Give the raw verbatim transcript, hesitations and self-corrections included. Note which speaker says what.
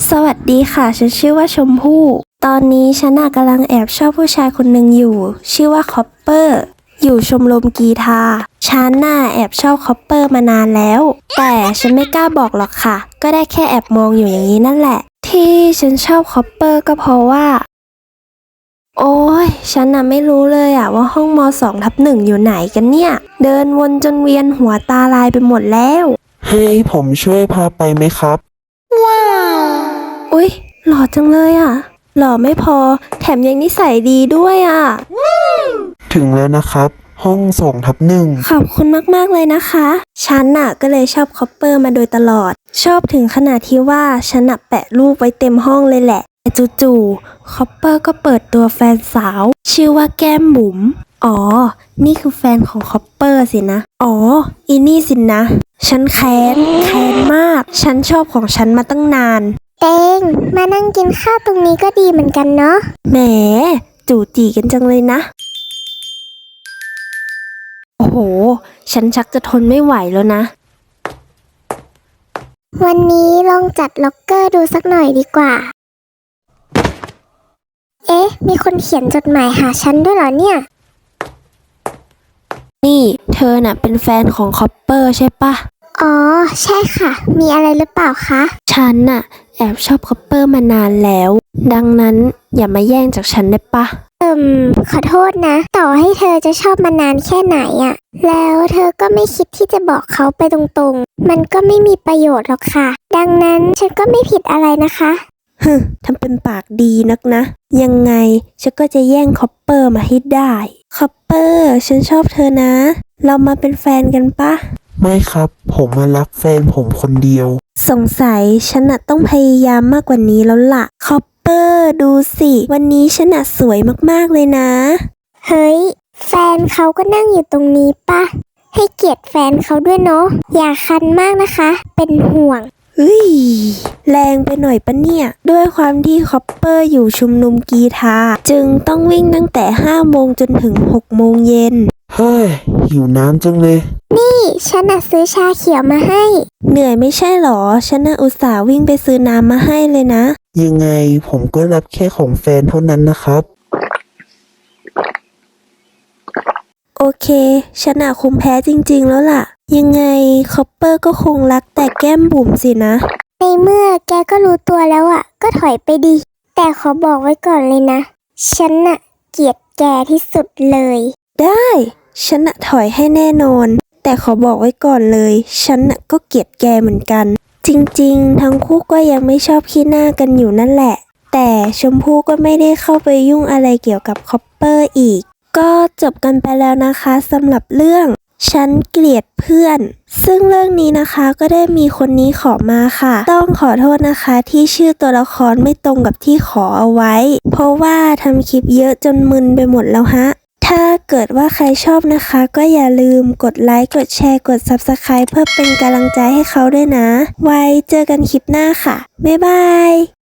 Speaker 1: สวัสดีค่ะ ฉันชื่อว่าชมพู่ ตอนนี้ฉันน่ะกำลังแอบชอบผู้ชายคนหนึ่งอยู่ ชื่อว่าคอปเปอร์ อยู่ชมรมกีฬาฉันน่ะแอบชอบคอปเปอร์มานานแล้ว แต่ฉันไม่กล้าบอกหรอกค่ะ ก็ได้แค่แอบมองอยู่อย่างนี้นั่นแหละ ที่ฉันชอบคอปเปอร์ก็เพราะว่า โอ้ยฉันน่ะไม่รู้เลยอะว่าห้องมสองทับหนึ่งอยู่ไหนกันเนี่ย เดินวนจนเวียนหัวตาลายไปหมดแล้ว
Speaker 2: ให้ผมช่วยพาไปไหมครับ
Speaker 1: อุ๊ยหล่อจังเลยอ่ะหล่อไม่พอแถมยังนิสัยดีด้วยอ่ะ
Speaker 2: ถึงแล้วนะครับ ห้องสองทับหนึ่ง
Speaker 1: ขอบคุณมากๆเลยนะคะฉันน่ะก็เลยชอบคอปเปอร์มาโดยตลอด ชอบถึงขนาดที่ว่าฉันน่ะแปะรูปไว้เต็มห้องเลยแหละแต่จู่ๆคอปเปอร์ก็เปิดตัวแฟนสาวชื่อว่าแก้มบุ๋มอ๋อนี่คือแฟนของคอปเปอร์สินะอ๋ออีนี่สินะฉันแค้นแค้นมากฉันชอบของฉันมาตั้งนาน
Speaker 3: เองมานั่งกินข้าวตรงนี้ก็ดีเหมือนกันเนาะ
Speaker 1: แหมจู่จีกันจังเลยนะโอ้โหฉันชักจะทนไม่ไหวแล้วนะ
Speaker 3: วันนี้ลองจัดล็อกเกอร์ดูสักหน่อยดีกว่าเอ๊ะมีคนเขียนจดหมายหาฉันด้วยเหรอเนี่ย
Speaker 1: นี่เธอน่ะเป็นแฟนของคอปเปอร์ใช่ปะ
Speaker 3: อ๋อใช่ค่ะมีอะไรหรือเปล่าคะ
Speaker 1: ฉันน่ะแอบชอบคอปเปอร์มานานแล้วดังนั้นอย่ามาแย่งจากฉันได้ปะ
Speaker 3: เอิมขอโทษนะต่อให้เธอจะชอบมานานแค่ไหนอะแล้วเธอก็ไม่คิดที่จะบอกเขาไปตรงๆมันก็ไม่มีประโยชน์หรอกค่ะดังนั้นฉันก็ไม่ผิดอะไรนะคะ
Speaker 1: ฮึทำเป็นปากดีนักนะยังไงฉันก็จะแย่งคอปเปอร์มาให้ได้คอปเปอร์ฉันชอบเธอนะเรามาเป็นแฟนกันปะ
Speaker 2: ไม่ครับผมมารักแฟนผมคนเดียว
Speaker 1: สงสัยฉันน่ะต้องพยายามมากกว่านี้แล้วล่ะคอปเปอร์ดูสิวันนี้ฉันน่ะสวยมากๆเลยนะ
Speaker 3: เฮ้ยแฟนเขาก็นั่งอยู่ตรงนี้ปะให้เกียรติแฟนเขาด้วยเนาะอย่าคันมากนะคะเป็นห่วง
Speaker 1: เฮ้ยแรงไปหน่อยปะเนี่ยด้วยความที่คอปเปอร์อยู่ชุมนุมกีฬาจึงต้องวิ่งตั้งแต่ห้าโมงจนถึงหกโมงเย็น
Speaker 2: เฮ้ยหิวน้ำจังเลย
Speaker 3: นี่ฉันน่ะซื้อชาเขียวมาให้
Speaker 1: เหนื่อยไม่ใช่หรอฉันน่ะอุตส่าห์วิ่งไปซื้อน้ำมาให้เลยนะ
Speaker 2: ยังไงผมก็รับแค่ของแฟนเท่านั้นนะครับ
Speaker 1: โอเคฉันน่ะคงแพ้จริงๆแล้วล่ะยังไงคอปเปอร์ก็คงรักแต่แก้มบุ๋มสินะ
Speaker 3: ในเมื่อแกก็รู้ตัวแล้วอ่ะก็ถอยไปดิแต่ขอบอกไว้ก่อนเลยนะฉันน่ะเกลียดแกที่สุดเลย
Speaker 1: ได้ฉันน่ะถอยให้แน่นอนแต่ขอบอกไว้ก่อนเลยฉันน่ะก็เกลียดแกเหมือนกันจริงๆทั้งคู่ก็ยังไม่ชอบขี้หน้ากันอยู่นั่นแหละแต่ชมพู่ก็ไม่ได้เข้าไปยุ่งอะไรเกี่ยวกับคอปเปอร์อีกก็จบกันไปแล้วนะคะสำหรับเรื่องฉันเกลียดเพื่อนซึ่งเรื่องนี้นะคะก็ได้มีคนนี้ขอมาค่ะต้องขอโทษนะคะที่ชื่อตัวละครไม่ตรงกับที่ขอเอาไว้เพราะว่าทำคลิปเยอะจนมึนไปหมดแล้วฮะถ้าเกิดว่าใครชอบนะคะก็อย่าลืมกดไลค์กดแชร์กด ซับสไครบ์ เพื่อเป็นกำลังใจให้เขาด้วยนะไว้เจอกันคลิปหน้าค่ะบ๊ายบาย